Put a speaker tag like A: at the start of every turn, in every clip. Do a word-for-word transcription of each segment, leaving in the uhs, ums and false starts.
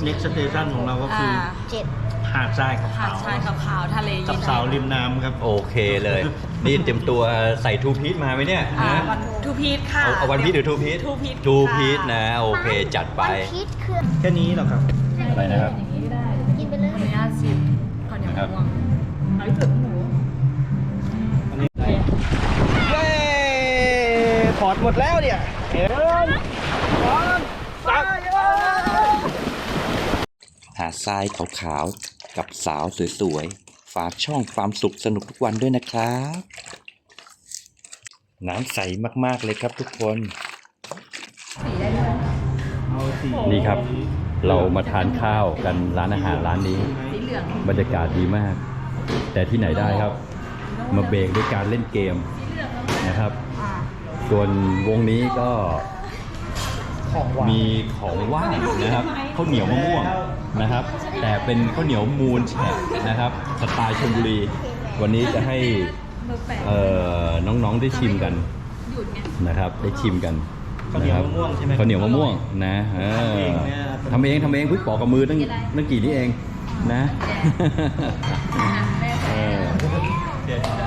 A: next station ของเราก็คือ
B: เจ็ด
A: หาดทรายขาว
B: หาดทรายขาวๆทะเลเย็น
A: กับสาวริมน้ำครับ
C: โอเคเลย นี่เตรียมตัวใส่ทูพีทมาไหมเนี่ย
B: อ่า
C: นะ
B: วันทูพีทค่ะ
C: เอาเอาวันพีทหรือทูพีท
B: ทูพีท
C: ทูพีทนะโอเคจัดไป
D: วันพีชคือ
A: แค่นี้เหรอครับ
C: อะไรนะครับ
D: กินไปเลย
B: ขออนุญาตชิมข้าวเหนียวมะม่วงเอาที่สุดหมู
A: อันนี้เย้พอร์ตหมดแล้วเนี่ยเห็นพอร์ตสัก
C: หาดทรายขาวๆกับสาวสวยๆฝากช่องความสุขสนุกทุกวันด้วยนะครับ น้ำใสมากๆเลยครับทุกคน
A: เอาสี
C: นี่ครับ เรามาทานข้าวกันร้านอาหารร้านนี้
B: สีเหลือง
C: บรรยากาศดีมาก แต่ที่ไหนได้ครับ มาเบรกด้วยการเล่นเกมนะครับ ส่วนวงนี้ก็
A: ของหวาน
C: มีของว่างนะครับข้าวเหนียวมะม่วงนะครับ แต่เป็นข้าวเหนียวมูลแฉะนะครับสไตล์ชลบุรี วันนี้จะให้เอ่อน้องๆได้ชิมกันนะครับ ได้ชิมกัน
A: ข้าวเหนียวมะม่วงใช่ไหม
C: ข้าวเหนียวมะม่วงนะเออทำเองทำเองเพิ่งปอกกับมือตั้งตั้งกี่นี้เองนะเออ
A: เดี๋ยวได้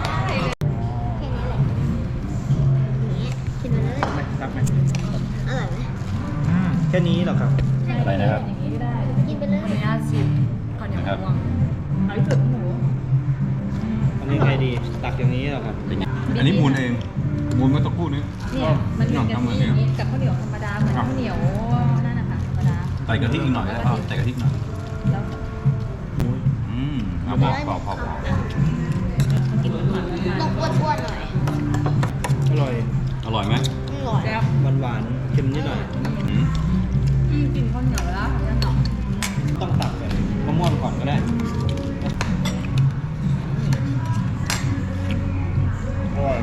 D: แค่นี้แหละกินไปเลย
A: ไหมรับไหม
D: อร่อยไหม
A: อืมแค่นี้เหรอครับ
C: อะไรนะครับ
D: กินไปเล
B: ขออย นุญาตชิมข้าวเหนียวมะม่วงเอาที่สุดหมู
A: อันนี้ไงดีตักอย่างนี้เหรอครับ
C: อันนี้มูลเองมูลเมื่อสักครู่นี้
B: เนี่ยมันเหมือน
C: ทำเหมื
B: กั
C: อบ นกัน
B: กับข้าวเหนียวธรรมดาเหมือนข้าวเหนียวนั่นนะคะธรรมดา
C: ใส่กะทิอีกหน่อยแล้วใส่กะทิหน่อย
B: แล้ว
C: อืมเอาพอพอพอพอ
B: กินหวาน
D: ต้องอ้วนๆหน่อย
A: อร่อย
C: อร่อยไหม
D: อร่อย
B: แล้ว
A: หวานหวานๆเค็มนิดหน่อย
C: อืม
B: กินข้าวเหนียวแล้วนั่นหรอ
A: ต้องตักแบบมะม่วงก่อนก็ได้อร่อย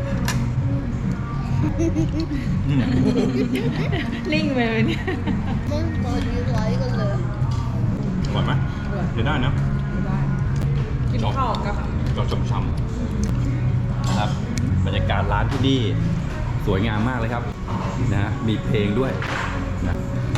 C: อืม
B: ลิงไปเลยเนี่ย
D: มึงตัวดีร้อยกันเลย
C: อร่อยไหมเดี๋ยวได้นะ
B: กินข้าวกับ
C: ก็ช่ำๆนะครับบรรยากาศร้านที่นี่สวยงามมากเลยครับนะฮะมีเพลงด้วยนะ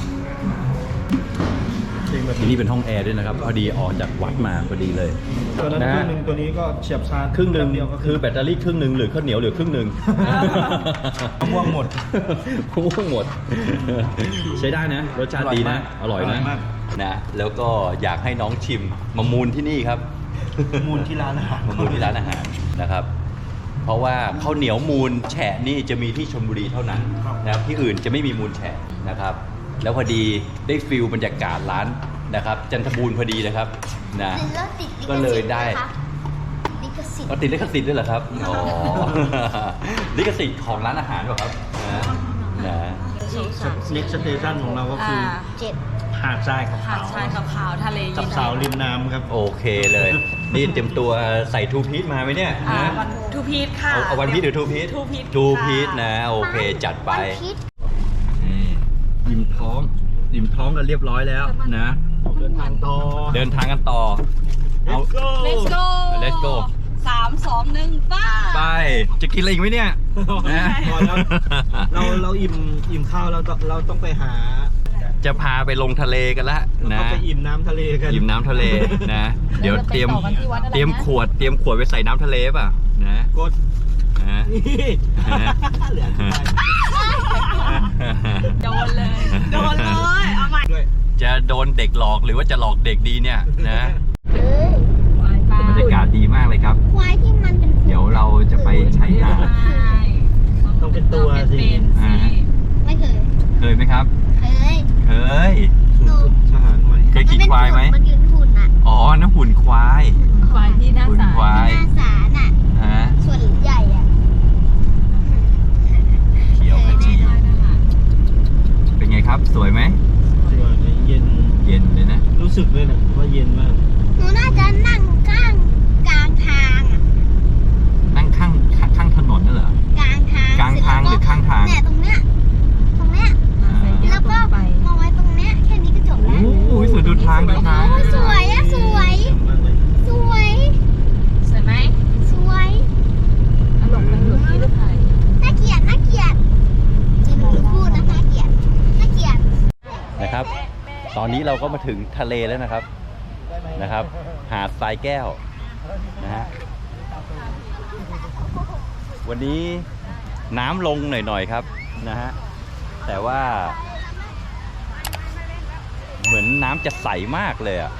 A: จริงแบบ
C: ที่นี่เป็นห้องแอร์ด้วยนะครับพอดีออกจากวัดมาพอดีเลย
A: ตัวนั้น
C: นะ
A: ครึ่
C: ฮะ
A: งหนึ่งตัวนี้ก็เฉียบชาร์จ
C: ครึ่งหนึ่ง
A: เดียวก็
C: คือแบตเตอรี่ครึ่งหนึ่งหรือข้าวเหนียวหรือครึ่งหนึ่ง
A: มะม่วงหมด
C: มะม่วงหมด ใช้ได้นะ รสชาติดีนะ อร่อยนะ
A: มาก
C: นะแล้วก็อยากให้น้องชิมมามูลที่นี่ครับ
A: มูลที่ร้านอาหาร
C: มามูลที่ร้านอาหารนะครับ เพราะว่าข้าวเหนียวมูลแฉะนี่จะมีที่ชลบุรีเท่านั้นนะครับที่อื่นจะไม่มีมูลแฉะนะครับ แล้วพอดีได้ฟิลบรรยากาศร้านนะครับ จันทบูรณ์พอดีนะครับนะ
D: แล้วติด
C: ก็เลยได้
D: ลิขสิทธิ์
C: ก็ติดลิขสิทธิ์ด้วยเหรอครับอ๋อ ลิขสิทธิ์ของร้านอาหารเหรอครับนะนะ
A: เน็กสเตชันของเราก็คือ
B: อ่า
D: เจ็ด
A: หาดทรายขาว
B: หาดทรายขาวๆทะเล
A: กั
B: เย็
A: บ
B: น
A: สาวริมน้ำครับ
C: โอเคเลย นี่เตรียมตัวใส่ทูพีทมาไหมเนี่ย
B: อ่า
C: นะ
B: วันทูพีทค่ะ
C: เอาเอาวันพีทหรือทูพีท
B: ทูพีท
C: ทูพีทนะโอเคจัดไป
D: วันพีช
C: นี่อิ่มท้องอิ่มท้องกันเรียบร้อยแล้วนะ
A: เดินทางต่อ
C: เดินทางกันต่อเอา
A: Let's go
B: Let's go
C: Let's go
B: สามสองหนึ่งป้า
C: ไปจะกินอะไรอีกไหมเนี่ยนะ
A: พอแล้ว เราเราอิ่มอิ่มข้าวเราต้องเราต้องไปหา
C: จะพาไปลงทะเลกันละ
A: เรา
C: นะ
A: ต้องไปอิ่มน้ำทะเลกัน
C: อิ่มน้ำทะเลนะ เดี๋ยวเตรียม
B: แล้วจะไปต่อกันที่วัดอะไรนะ
C: เตรียมขวดเตรียมขวดไปใส่น้ำทะเลป่ะนะ
A: กด
C: นะ
A: นี่เหลือสุดท้าย
B: โดนเลย โดนเลย เอาใหม่
A: ด้วย
C: จะโดนเด็กหลอกหรือว่าจะหลอกเด็กดีเนี่ยนะ
D: เอ้ย
C: บรรยากาศดีมากเลยครับ
D: ควายที่มันเป็น
C: เดี๋ยวเราจะไปชายหาด
A: ต้องเป็นตัวสิ
B: เป็นสิ
C: อ่า
D: ไม่เคย
C: เคยไหมครับ
D: เคย
C: เคย
D: หนู
A: ทหารใหม่
C: เคยขี่ควายไหม
D: มันยืนหุ่นอ่ะ
C: อ๋อน้ำหุ่นควาย
B: ควายที่หน้า
C: หุ่น
B: ศาล
C: ควาย
D: หน้าศาลอ่ะ
C: ฮะ
D: ส่วนใหญ่อ่ะ
C: เขียวขจีเป็นไงครับ สวยไหม
A: สวยเลยเย็น
C: เย็นเลยนะ
A: รู้สึกเลยนะว่าเย็นมาก
D: หนูน่าจะนั่งข้างกลางทางอ่ะ
C: นั่งข้างข้างถนนนั่นเหรอ
D: กลางทาง
C: กลางทางหรือข้างทาง
D: เนี่ยตรงเนี้ย ตรงเนี้ย แล้วก็มาไว้ตรงเนี้ย แค่นี้ก็จบ
C: โอ้
D: แล้ว
C: โหสวยดูทางดูทาง
D: โอ้ยสวยอะสวย
A: เย็นมากเลย
D: สวย
B: สวยไหม
D: สวย
B: อารมณ์มันอยู่ที่ลูกไทย
D: น่าเกลียดน่าเกลียดจริงหนูพูดนะน่าเกลียดน่าเกลียด
C: นะครับตอนนี้เราก็มาถึงทะเลแล้วนะครับนะครับ หาดทรายแก้วนะฮะวันนี้น้ำลงหน่อยๆครับนะฮะแต่ว่าเหมือนน้ำจะใสมากเลยอ่ะ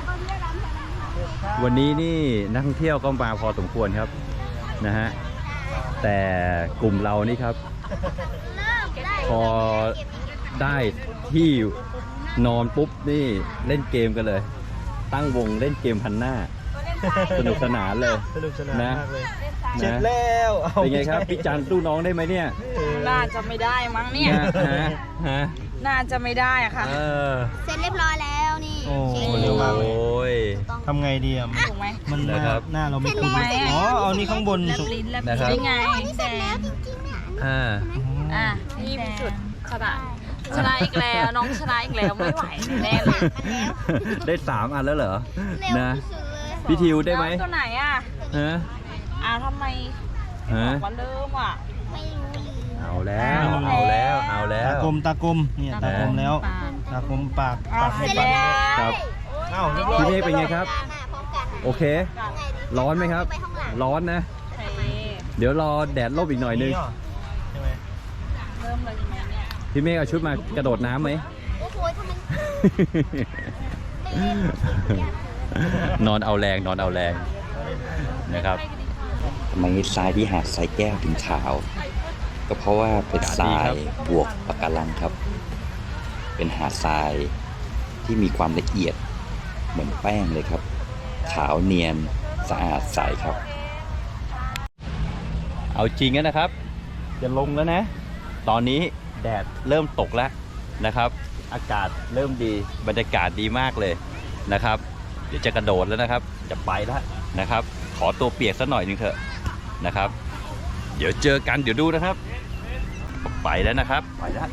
C: วันนี้นี่นักท่องเที่ยวก็มาพอสมควรครับนะฮะแต่กลุ่มเรานี่ครับ พอได้ที่นอนปุ๊บนี่เล่นเกมกันเลย ตั้งวงเล่นเกมพันหน้าสนุกสนานเลย
A: สนุกสนาน
C: นะ
A: มากเลย
C: นะ
A: เสร็จแล้วอา
C: เป็นไงครับพี่จันสู้น้องได้ไหมเนี่ย
B: น่าจะไม่ได้มั้งเนี่ย
C: ฮะฮะ
B: น่าจะไม่ได้อะค่ะ
C: เออ
D: เสร็จเรียบร้อยแล้วนี่
A: โอ้
D: เช็ค
C: โอ
D: ดู
C: ้ย
A: ทำไงดีอ่ะ
B: ถูกไหม
A: มันห
C: นะ
A: น้า
C: ครับ
A: หน้าเราไม่คุ้น
B: เสร็จแล้ว
A: อ๋อเอานี่ข้างบน
B: แลบ
A: สุด
B: ลิ้นแลบ
C: นะครับ
B: ลิ้นไง
D: นี่เสร็จแล้วจริงๆเนี่ย
C: อ่า
B: อ่ะนี่เป็นจุดชนะชนะอีกแล้วน้องชนะอีกแล้วไม่ไหวแน่เลย
C: ได้สามอันแล้วเหรอ
D: เร็ว
C: นะ
D: ที่สุดเลย
C: พี่ทิวได้ไหม
B: แล้วตัวไหนอ่ะ
C: ฮะ
B: อ่ะทำไม
C: ฮะ
B: บอกว่าเริ่มอ่ะ
D: ไม่รู้ลืม
C: เอาแล้วเอาแล้วเอาแล้
A: ตาว กลมตากลมเนี่ยตากลมแล้ว ตากลมปากปาก
B: เส
A: ให้
B: ร็จ
A: ปา
B: แล้
A: ก
B: ว
C: ครับ
A: เอ้าเรียบร้อย
C: พี่เมฆเป็นไงครับ
D: พร้อมกัน
C: โอเค
D: ไงดี
C: ร้อนไหมครับ
D: ไปข้างหลัง
C: ร้อนนะ
B: โอเค
C: เดี๋ยวรอแดดลบอีกหน่อยนึง
A: ใช่ไหม
B: เริ่มเลยใช่ไหมเนี่ย
C: พี่เมฆเอาชุดมากระโดดน้ำไหม
D: โอ้โหทำไม
C: นอนเอาแรงนอนเอาแรงนะครับทำไมทรายที่หาดทรายแก้วถึงขาว ก็เพราะว่าเป็นทรายบวกปะการังครับ เป็นหาดทรายที่มีความละเอียดเหมือนแป้งเลยครับ ขาวเนียนสะอาดใสครับ เอาจริงนะครับ จะลงแล้วนะ ตอนนี้แดดเริ่มตกแล้วนะครับ อากาศเริ่มดีบรรยากาศดีมากเลยนะครับ เดี๋ยวจะกระโดดแล้วนะครับ จะไปแล้วนะครับ ขอตัวเปียกสักหน่อยหนึงเถอะนะครับ เดี๋ยวเจอกันเดี๋ยวดูนะครับ ไปแล้วนะครับไปแล้ว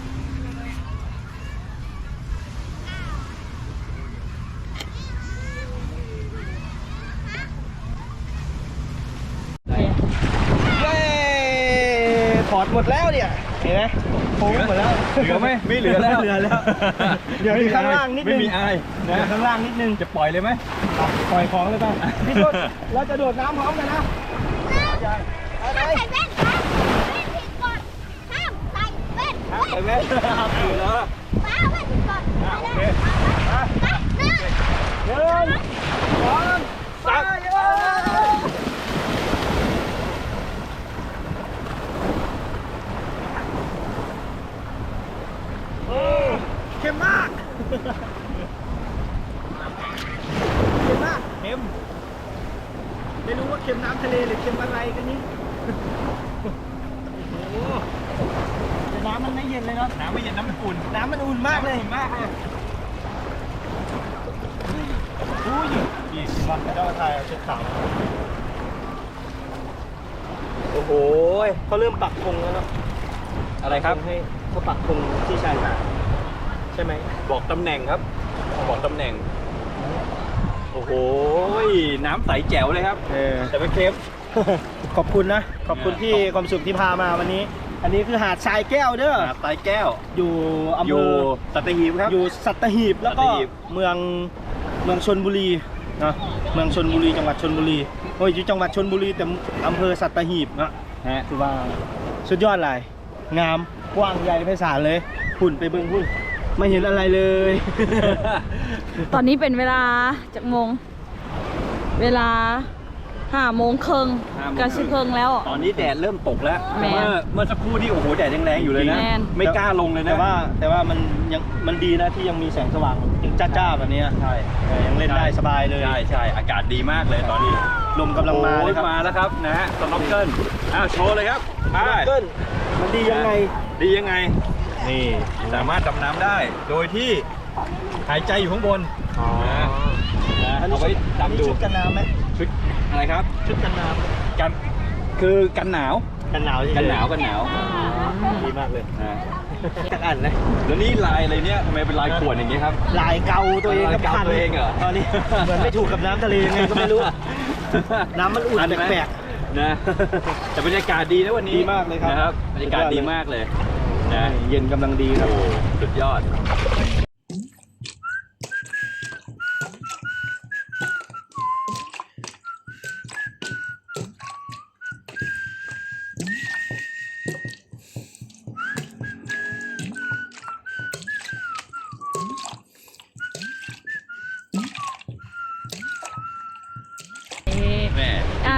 A: เย้ถอดหมดแล้วเนี่ย เห็นไหมโค้งหมดแล้ว
C: เหลือไหมไม่เหลือแล้ว
A: ไม่เหลือแล้ว เดี๋ยวมีข้างล่างนิดนึง
C: ไม่มีอาย
A: เดี๋ยวข้างล่างนิดนึง
C: จะปล่อยเลยไหม
A: ปล่อยของเลยป่ะพี่ต้นเราจะโดดน้ำพร้อมกันนะเอาเล
D: ห้าม
A: ย
D: ใส่แว่นครับแว่นผิดกฎห้ามใส่แว่น
C: ไปไหมถือแล้ว
D: ป้าแว่นผิดกฎไป
A: โอ
D: เล
A: เค
D: ยไปหนึ่ง
A: หนึ่งสองสามโอ้เข้มมาก เค็มมากเค็มไม่รู้ว่าเค็มน้ำทะเลหรือเค็มอะไรกันนี่ โอ้โหแต่น้ำมันไม่เย็นเลยเนาะ
C: น้ำไม่เย็นน้ำมันอุ่น
A: น้ำมันอุ่นมากเลยมากเลยอุ้ยนี่วันเจ้าชายเอาเช็ดขาวโอ้โหเขาเริ่มปักธงแล้วเนาะ
C: อะไรครับ
A: ให้เขาปักธงที่ชายหาดใช่ไหม
C: บอกตำแหน่งครับ บอกตำแหน่ง โอ้โหน้ำใสแจ๋วเลยครับ
A: เออ
C: แต่ไม่เค็ม
A: ขอบคุณนะ ขอบคุณพี่ความสุขที่พามาวันนี้ อันนี้คือหาดทรายแก้วเด้อ
C: หาดทรายแก้ว
A: อยู่อำ
C: อ
A: เภ
C: ยู่
A: อ
C: สัตหีบครับ
A: อยู่สัตหีบแล้วก็
C: สัตหีบ
A: เมืองเมืองชลบุรีนะเมืองชลบุรีจังหวัดชลบุรีโอ้ยอยู่จังหวัดชลบุรีแต่อำเภอสัตหีบนะ
C: ฮะ
A: คือว่าสุดยอดเลยงามกว้างใหญ่ไพศาลเลยหุ่นไปเบิ่งหุ่นไม่เห็นอะไรเลย
B: ตอนนี้เป็นเวลาจากโมง เวลาห้าโมงครึ่ง
C: ห้าโมง
B: กระชิเคิงแล้ว
C: ตอนนี้แดดเริ่มตกแล้ว
B: แมน
C: เมื่อเมื่อสักครู่ที่โอ้โหแดดยังแรงอยู่เลยนะ
B: แมน
C: ไม่กล้าลงเลยนะ
A: แต่ว่าแต่ว่ามันยังมันดีนะที่ยังมีแสงสว่างยังจ้าๆแบบเนี้ย
C: ใช่
A: เออยังเล่นได้สบายเลย
C: ใช่ใช่อากาศดีมากเลยตอนนี้
A: ลมกำลังมา
C: โอ้
A: เลย ยครับ
C: มาแล้วครับนะฮะสน็อกเกิลอ้าวโชว์เลยครับไป
A: เกิลมันดียังไง
C: ดียังไง นี่สามารถดำน้ำได้ โดยที่หายใจอยู่ข้างบนนะนะ
A: อันนี้
C: เอาไว้
A: อันนี้
C: ดำดู
A: ชุดกันน้ำไหม
C: ชุดอะไรครับ
A: ชุดกันน้
C: กันคือกันหนาว
A: ำกันหนาวเฉยๆ
C: กันหนาวกันหนาว
A: ดีมากเลย
C: นะ
A: จักอันนะ
C: แล้วนี่ลายอะไรเนี่ยทำไมเป็นลายขวดอย่างนี้ครับ
A: ลายเกาตัวเอง
C: ลายเกา
A: พัน
C: ตัวเองเหรอ
A: ตอนนี้เหมือนไม่ถูกกับน้ำทะเลยังไงก็ไม่รู้ น้ำมันอุ่น
C: ทัไหม
A: แปลก
C: นะแต่บรรยากาศดีนะวันนี้
A: ดีมากเลยครับ
C: นะครับบรรยากาศดีมากเลยนะ
A: เย็นกำลังดีครับ
C: โอ้สุดยอด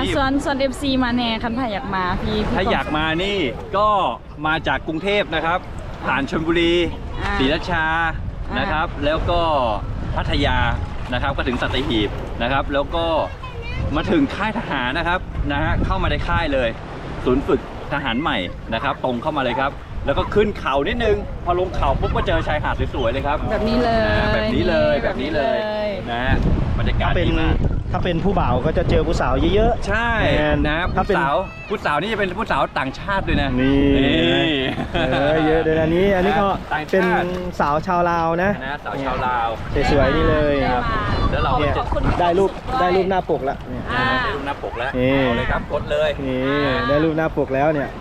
C: ที่
B: ส่วนส่วนเอฟซีมาแน่คันไผ่อยากมาพี่พี่
C: ถ้าอยากมานี่ก็มาจากกรุงเทพนะครับ ผ่านชลบุรี
B: อ่า
C: ศรีราชา
B: อ่าน
C: นะครับ แล้วก็พัทยานะครับก็ถึงสัตหีบนะครับ แล้วก็มาถึงค่ายทหารนะครับนะฮะเข้ามาในค่ายเลย ศูนย์ฝึกทหารใหม่นะครับ ตรงเข้ามาเลยครับ แล้วก็ขึ้นเขานิดนึง พอลงเขาปุ๊บก็เจอชายหาดสวยๆเลยครับ
B: แบบนี้เลย
C: นะแบบนี้เลยแบบนี้เลยนะฮะบรรยากาศ
A: ถ้าเป็น
C: ดีมาก
A: ถ้าเป็นผู้บ่าวก็จะเจอผู้สาวเยอะ
C: ใช่
A: แมน
C: นะ
A: ถ้า
C: ผู้
A: เป็น
C: สาวผู้สาวนี่จะเป็นผู้สาวต่างชาติด้วยนะ
A: ๆนี่ เออเยอะเดี๋ยวอันนี้อันนี้ก็
C: ต่างชาติ
A: เป็นสาวชาวลาวนะ
C: นะสาวชาวลาว
A: สวยๆนี่เลย
B: ได้
A: ครับ
B: มา
C: แล้วเรา
A: เนี่ย
B: ขอบคุณ
A: ได้รูป
B: ด้วย
A: ได้รูปหน้าปกแล้วเนี่ย
B: อ่า
C: ได้รูปหน้าปกแล้ว
A: นี่
C: เอาเลยครับกดเลย
A: นี่ได้รูปหน้าปกแล้วเนี่ย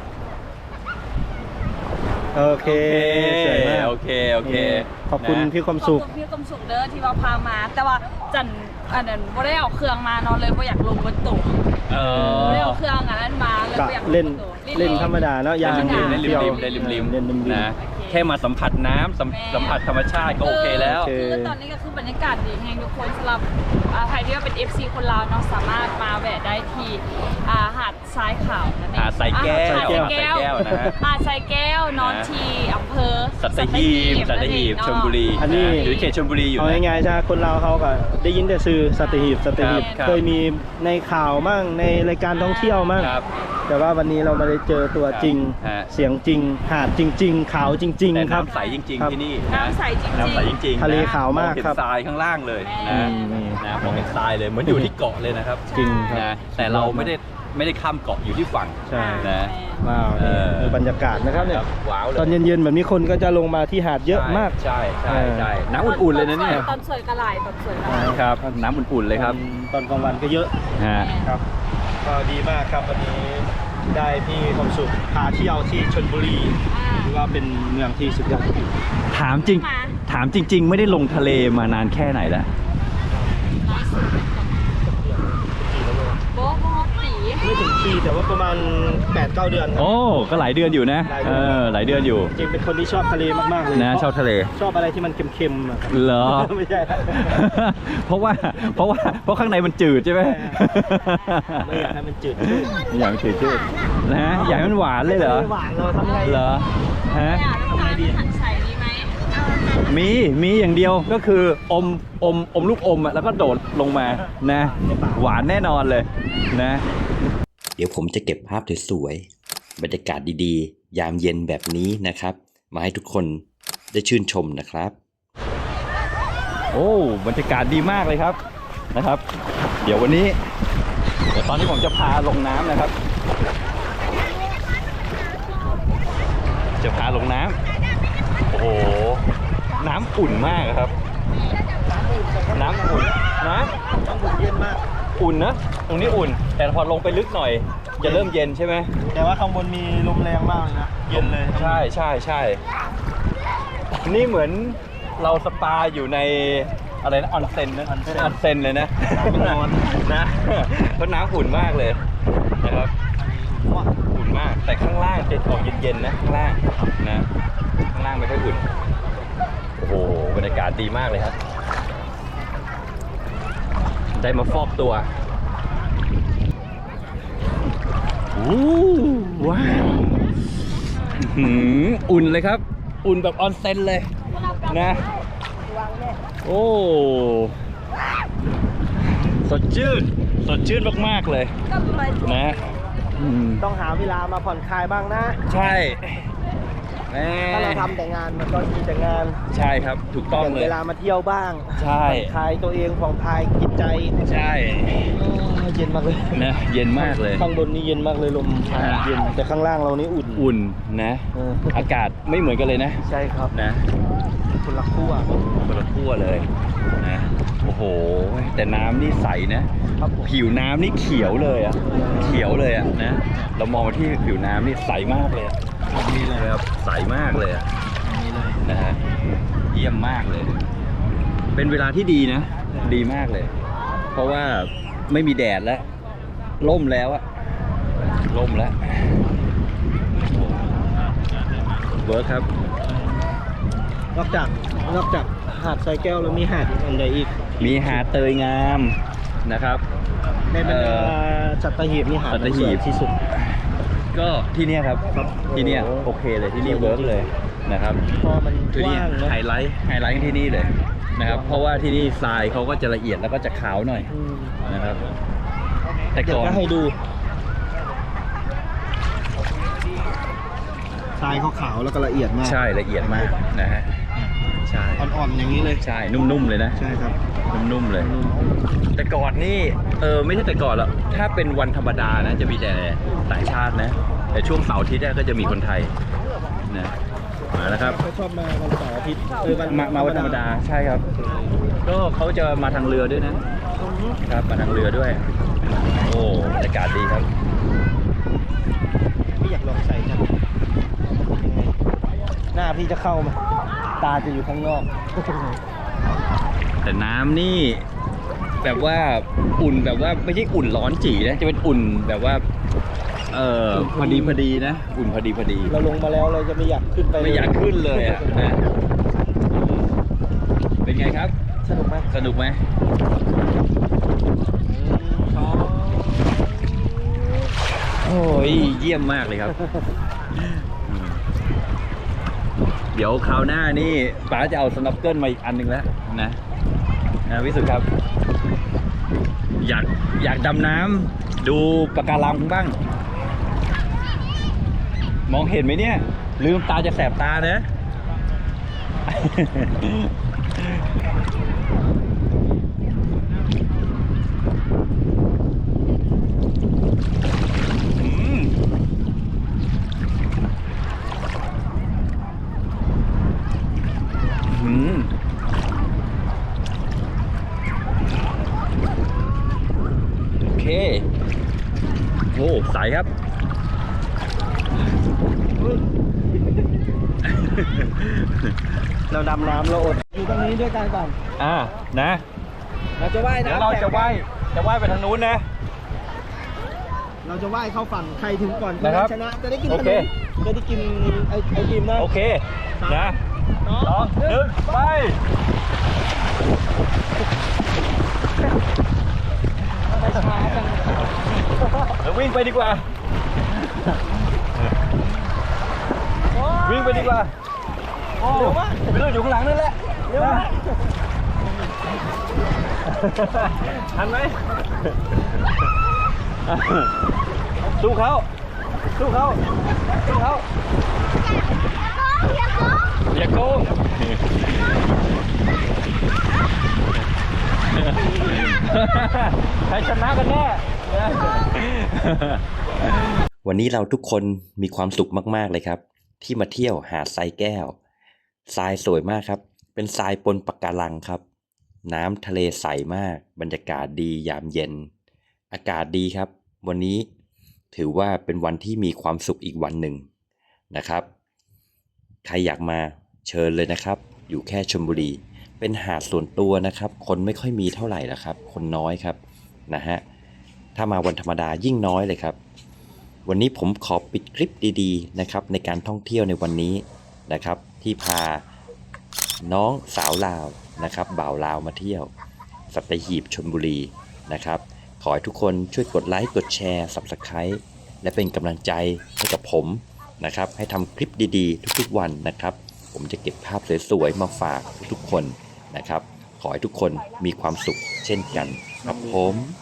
A: โอเคสวยมาก
C: โอเคโอเค
A: นี่ขอบคุณ
C: นะ
A: พี่ความ
B: ขอบ
A: สุข
B: คุณพี่กำสุขเด้อที่ว่าพามา แต่ว่าจันอันนั้นบ่ได้เอาเครื่องมานอนเลยบ่อยากลงบนตู้
C: เออ
B: บ่ได้เอาเครื่องอันนั้นมาเลย
A: กะ
B: บ่อยากง
A: เล่น
B: บตู้
A: เล่นธรรมดาเนาะยาง
C: เล่นริมๆเล่น
A: เที่ยว
C: ริมๆเล่นริมริม
A: เล่นริมๆ
C: นะแค่มาสัมผัสน้ำสัม
B: แม่
C: สัมผัสธรรมชาติก็โอเคแล้ว
A: โอเค
B: คือตอนนี้ก็คือบรรยากาศดีแฮงทุกคนสำหรับอ่าใครที่ว่าเป็น เอฟ ซี คนลาวเนาะสามารถมาแวะได้ที่อ่าหาดทรายขาวนั่นเอง
C: หาดทรายแก้ว
B: อ่าหาดทรายแก้ว
C: หาดทรายแก้วนะฮะ
B: หาดทรายแก้วนอน
C: นะ
B: ที่อำเภอ
C: สัตหีบสัตหีบชลบุรี
A: อันนี้
C: อยู่เขตชลบุรีอยู่
A: เอา
C: นะ
A: ง่ายๆใช่คนเราเขาก็ได้ยินแต่ชื่อสัตหีบสัตหีบ
C: ครับ
A: เคยมีในข่าวมั่งในรายการท่องเที่ยวมั่ง
C: ครับ
A: แต่ว่าวันนี้เรามาได้เจอตัวจริง
C: ฮะ
A: เสียงจริง หาดจริง ๆ ขาวจริง
C: แต่
A: ๆ ครับ
C: น้ำใสจริง
A: ครับ
C: ๆที่นี่
B: น้ำใสจริงๆ
C: น้ำใสจริงๆ
A: ทะเล
C: น
A: ขาวมาก
C: องเห็น
A: ครับ
C: ทรายข้างล่างเลย
B: แม่
C: นะ
A: นี่
C: นะมองเห็นทรายเลยเหมือนอยู่ที่เกาะเลยนะครับ
A: จริงครับ
C: นะแต่เราไม่ได้ไม่ได้ข้ามเกาะอยู่ที่ฝั่ง
A: ใช่
C: นะ
A: ว้าว
C: เอ
A: นี่
C: อ
A: คือบรรยากาศนะครับเนี่ย
C: ว้าวเลย
A: ตอนเย็นๆแบบนี้คนก็จะลงมาที่หาดเยอะมาก
C: ใช่ใช่ใช่น้ำอุ่นๆเลยนะเนี่ย
B: ตอนสวยกระไหลตอนสวยกระไหล
C: ครับน้ำอุ่นๆเลยครับ
A: ตอนกลางวันก็เยอะ
C: ฮะ
A: ครับก็ดีมากครับวันนี้ได้พี่ความสุขพาเที่ยวที่ชลบุรี
B: อ่า
A: ถือว่าเป็นเมืองที่สุดยอด
C: ถามจริง ถามจริง ๆ ไม่ได้ลงทะเลมานานแค่ไหนแล้ว
B: โบ๊ะโบ๊ะสี
A: ไม่ถึงปีแต่ว่าประมาณ แปดเก้า เดือนครับ
C: โอ้ก็หลายเดือนอยู่นะ
A: หลาย
C: เอ
A: เดือน
C: อหลายเดือนอยู่
A: จริงๆเป็นคนที่ชอบทะเลมากๆเลย
C: นะชอบทะเล
A: ชอบอะไรที่มันเค็มๆอะครับ
C: เหรอ
A: ไม่ใช่ครับ
C: เพราะว่าเพราะว่าเพราะข้างในมันจืดใช่ไหม
A: ไม่อยากให้มันจืด
C: ไม่อยากให้มันจืดจืดนะอยากให้มันหวานเลยเหรอ
A: ไม่หวานเราทำไง
C: เหรอฮะ
B: อยากน้ำตาลหันใส่ดีไหม
C: มีมีอย่างเดียวก็คืออมอมอมลูกอมอะแล้วก็โดดลงมานะ หวานแน่นอนเลยนะ
E: เดี๋ยวผมจะเก็บภาพสวยๆบรรยากาศดีๆ ยามเย็นแบบนี้นะครับ มาให้ทุกคนได้ชื่นชมนะครับ
C: โอ้บรรยากาศดีมากเลยครับนะครับ เดี๋ยววันนี้เดี๋ยวตอนนี้ผมจะพาลงน้ำนะครับ จะพาลงน้ำโอ้โหน้ำอุ่นมากครับ น้ำอุ่นนะ
A: ต้องอุ่นเย็นมาก
C: อุ่นนะตรงนี้อุ่น แต่พอลงไปลึกหน่อย จะเริ่มเย็นใช่ไหม
A: แต่ว่าข้างบนมีลมแรงมากเลยนะเย็นเลย
C: ใช่ใช่ใช่นี่เหมือนเราสปาอยู่ในอะไรนะออนเซ็นนะออนเซ็นเลยนะ
A: นอน
C: นะเพราะน้ำอุ่นมากเลยนะครับอุ่นมากแต่ข้างล่างจะออกเย็นๆนะข้างล่างนะข้างล่างไม่ค่อยอุ่นโอ้โหบรรยากาศดีมากเลยครับได้มาฟอกตัวอู้ว้าวอื้อหืออุ่นเลยครับ อุ่นแบบออนเซ็นเลยนะโอ้สดชื่นสดชื่นมากๆเลยนะอืม
A: ต้องหาเวลามาผ่อนคลายบ้างนะ
C: ใช่แหม
A: ถ้าเราทำแต่งานมันก็มีแต่งาน
C: ใช่ครับถูกต้อง
A: แบ่ง
C: เลย
A: เวลามาเที่ยวบ้าง
C: ใช่
A: ผ่อนคลายตัวเองผ่อนคลายจิตใจ
C: ใช่
A: โอ้เย็นมากเลย
C: นะเย็นมากเลย
A: ข้างบนนี่เย็นมากเลยลมพัดเย็นแต่ข้างล่างเรานี่อุ่น
C: อุ่นนะ
A: เออ
C: อากาศไม่เหมือนกันเลยนะ
A: ใช่ครับ
C: นะ
A: คนละขั้ว
C: คนละขั้วเลยนะโอ้โหแต่น้ำนี่ใสนะครับ
A: ผม
C: ผิวน้ำนี่เขียวเลยอะเขียวเลยอะนะเรามองมาที่ผิวน้ำนี่ใสมากเลยอะ
A: นี่เลย
C: นะครับใสมากเลยอะ
A: นี่เลย
C: นะฮะเยี่ยมมากเลย เป็นเวลาที่ดีนะ ดีมากเลย เพราะว่าไม่มีแดดแล้วร่มแล้วอะร่มแล้วเวิร์คครับ
A: นอกจากนอกจากหาดทรายแก้วแล้วมีหาดอีกอันใดอีก
C: มีหาดเตยงามนะครับ
A: ในบรรดา
C: เอ่อ
A: สัตหีบนี่หาด
C: สัตหีบ
A: สวยที่สุด
C: ก็ที่เนี่ยครับ
A: ครับ
C: ที่เนี่ย
A: โอ้โห
C: โอเคเลยที่นี่เวิร์กเลยนะครับ
A: พอมัน
C: คือก นี่
A: ว้างเนอะ
C: ไฮไลท์ไฮไลท์ที่นี่เลยนะครับ เพราะว่าที่นี่ทรายเขาก็จะละเอียดแล้วก็จะขาวหน่อย
A: อืม
C: นะครับ แต่
A: เดี๋ย
C: ก่
A: ว
C: อน
A: ก็ให้ดูทรายขาวๆแล้วก็ละเอียดมาก
C: ใช่ละเอียดมากนะฮะใช่
A: อ่อนๆอย่างนี้เลย
C: ใช่นุ่มๆเลยนะ
A: ใช่ครับ
C: นุ่มๆเลย แต่ก่อนนี่เออไม่ใช่แต่ก่อนแล้วถ้าเป็นวันธรรมดานะจะมีแต่ต่างชาตินะ แต่ช่วงเสาร์อาทิตย์เนี่ยก็จะมีคนไทยนะมาแล้วครับ
A: เขาชอบมาวันเสาร์อาทิตย์เออวัน
C: มามาวันธรรมดาใช่ครับ ก็เขาจะมาทางเรือด้วยนะ ครับมาทางเรือด้วย โอ้บรรยากาศดีครับ
A: พี่อยากลองใส่จังยังไงหน้าพี่จะเข้าไหมตาจะอยู่ข้างนอก
C: แต่น้ำนี่แบบว่าอุ่นแบบว่าไม่ใช่อุ่นร้อนจีนะจะเป็นอุ่นแบบว่าเออพอดีพอดีนะ อุ่นพอดีพอดี
A: เราลงมาแล้วเราจะไม่อยากขึ้นไป
C: ไม่อยากขึ้นเลยอ่ะนะเป็นไงครับ
A: สนุกไหม
C: สนุกไหม
A: ชอบ
C: โอ้ยเยี่ยมมากเลยครับอืมเดี๋ยวคราวหน้านี่ป๋าจะเอาสน็อกเกิลมาอีกอันหนึ่งแล้วนะนะวิสุทธ์ครับ อยากอยากดำน้ำดูปะการังบ้าง มองเห็นไหมเนี่ย ลืมตาจะแสบตานะ อืมอืมโอเค โอ้ใสครับ
A: เราดำน้ำเราอดอยู่ตรงนี้ด้วยกันก่อน
C: อ่า นะ
A: เราจะว่าย
C: เดี๋ยว
A: น้ำ
C: เราจะ
A: แข่งกัน
C: ว่ายจะว่ายไปทางนู้นนะ
A: เราจะว่ายเข้าฝั่งใครถึงก่อน
C: นะครับ
A: ชนะจะได้กิน
C: โอ
A: ข
C: เค
A: นมจะได้กินไอไอติมนะ
C: โอเค นะ
A: สอง
C: สองหนึ่งไป
B: ไปช้าจัง
C: เดี๋ยววิ่งไปดีกว่า วิ่งไปดีกว่า โอ้
A: เร็วมาก
C: ไม่รู้อยู่ข้างหลังนั่นแหละ
A: เร็วมาก
C: ทันไหม สู้เขาสู้เขาสู้เขาอย่าโกงใครชนะกันแน่
E: วันนี้เราทุกคนมีความสุขมากๆเลยครับ ที่มาเที่ยวหาดทรายแก้วทรายสวยมากครับ เป็นทรายปนปะการังครับ น้ำทะเลใสมากบรรยากาศดียามเย็น อากาศดีครับ วันนี้ถือว่าเป็นวันที่มีความสุขอีกวันหนึ่งนะครับ ใครอยากมาเชิญเลยนะครับ อยู่แค่ชลบุรี เป็นหาดส่วนตัวนะครับ คนไม่ค่อยมีเท่าไหร่ละครับ คนน้อยครับนะฮะถ้ามาวันธรรมดายิ่งน้อยเลยครับ วันนี้ผมขอปิดคลิปดีๆนะครับในการท่องเที่ยวในวันนี้นะครับ ที่พาน้องสาวลาวนะครับบ่าวลาวมาเที่ยวสัตหีบชลบุรีนะครับ ขอให้ทุกคนช่วยกดไลค์กดแชร์ ซับสไครบ์ และเป็นกำลังใจให้กับผมนะครับ ให้ทำคลิปดีๆ ทุกๆวันนะครับ ผมจะเก็บภาพสวยๆมาฝากทุกๆคนนะครับ ขอให้ทุกคนมีความสุขเช่นกันครับผม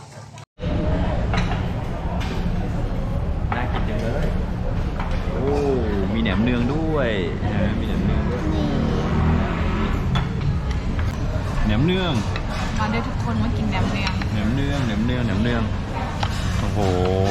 C: น่ากินจังเลย โอ้ มีแหนมเนืองด้วยนะมีแหนมเนืองด้วยแหนมเนือง
B: มาด้วยทุกคนมากินแหนมเนือง
C: แหนมเนืองแหนมเนืองแหนมเนือง โอ้โห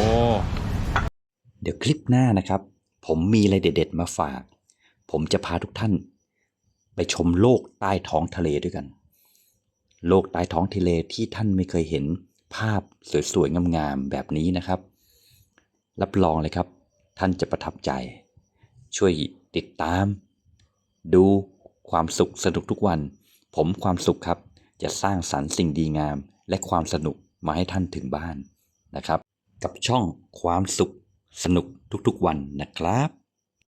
E: เดี๋ยวคลิปหน้านะครับ ผมมีอะไรเด็ดๆมาฝาก ผมจะพาทุกท่าน ไปชมโลกใต้ท้องทะเลด้วยกัน โลกใต้ท้องทะเลที่ท่านไม่เคยเห็นภาพสวยๆงามๆแบบนี้นะครับ รับรองเลยครับ ท่านจะประทับใจ ช่วยติดตาม ดูความสุขสนุกทุกวัน ผมความสุขครับ จะสร้างสรรค์สิ่งดีงาม และความสนุกมาให้ท่านถึงบ้านนะครับ กับช่องความสุขสนุกทุกๆวันนะครับ